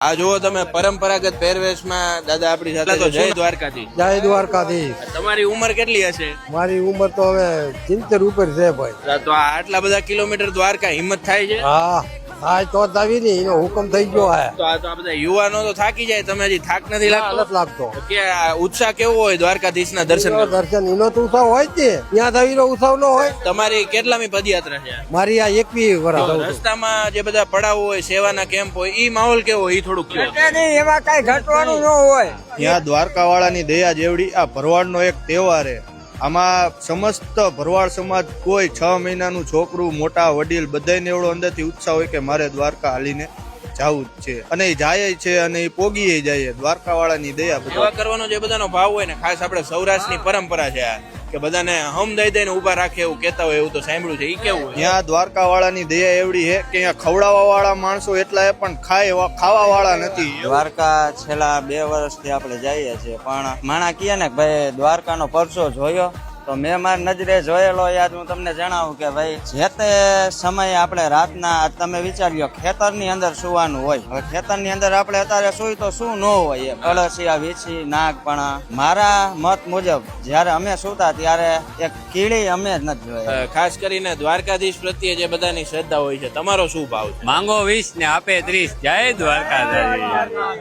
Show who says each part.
Speaker 1: આ જુઓ તમે પરંપરાગત પહેરવેશમાં દાદા આપણી સાથે તો જય દ્વારકાધીશ.
Speaker 2: જય દ્વારકાધીશ.
Speaker 1: તમારી ઉંમર કેટલી હશે?
Speaker 2: મારી ઉંમર તો હવે 70 ઉપર છે ભાઈ.
Speaker 1: તો આ આટલા બધા કિલોમીટર દ્વારકા હિંમત થાય છે?
Speaker 2: હા હા તો જ આવી ને એનો હુકમ થઈ ગયો હે.
Speaker 1: તો આ બધા યુવાનો તો થાકી જાય, તમે હજી થાક નથી લાગતો?
Speaker 2: નથી લાગતો.
Speaker 1: કે આ ઉત્સાહ કેવો હોય દ્વારકાધીશના દર્શન કરવાનો?
Speaker 2: દર્શન એનો તો ઉત્સાહ હોય જ ને, ત્યાં થવીનો ઉત્સાહ ન હોય.
Speaker 1: તમારી કેટલામી પદયાત્રા છે?
Speaker 2: મારી આ 21 વર્ષ.
Speaker 1: રસ્તામાં જે બધા પડાવો હોય, સેવાના કેમ્પ હોય, ઈ માહોલ કેવો હોય ઈ થોડુંક કહો.
Speaker 2: એમાં કઈ ઘટવાનું ન હોય.
Speaker 3: ત્યાં દ્વારકા વાળાની દયા જેવડી આ ભરવાડનો એક તહેવાર છે. આમાં સમસ્ત ભરવાડ સમાજ કોઈ 6 મહિનાનું છોકરું મોટા વડીલ બધાને એવડો અંદરથી ઉત્સાહ હોય કે મારે દ્વારકા હાલીને જવું જ છે, અને એ જાય છે અને એ પોગી જાય. દ્વારકા વાળાની દયા.
Speaker 1: સેવા કરવાનો જે બધાનો ભાવ હોય ને, ખાસ આપણે સૌરાષ્ટ્રની પરંપરા છે આ, કે બધાને હમ દઈ દઈને ઉભા રાખે એવું કેતા હોય, એવું તો સાંભળ્યું છે. ઈ કેવું હોય?
Speaker 3: ત્યાં દ્વારકા વાળાની દયા એવડી છે કે અહીંયા ખવડાવવા વાળા માણસો એટલા છે પણ ખાવા વાળા નથી.
Speaker 4: દ્વારકા છેલ્લા 2 વર્ષથી આપણે જઈએ છીએ, પણ માણા કહે ને ભાઈ દ્વારકાનો પરચો જોયો, તો મેં મારી નજરે જોયેલો યાદ હું તમને જણાવું કે ભાઈ જે તે સમયે આપણે રાતના તમે વિચાર્યો ખેતરની અંદર સુવાનું હોય. હવે ખેતરની અંદર આપણે અત્યારે સુઈ તો શું ન હોય, કળસિયા વીછી નાગ, પણ મારા મત મુજબ જયારે અમે સુતા ત્યારે એક કીડી અમે જ નથી જોઈ.
Speaker 1: ખાસ કરીને દ્વારકાધીશ પ્રત્યે જે બધાની શ્રદ્ધા હોય છે, તમારો શું ભાવ છે?
Speaker 5: માંગો 20 ને આપે 30. જય દ્વારકાધીશ.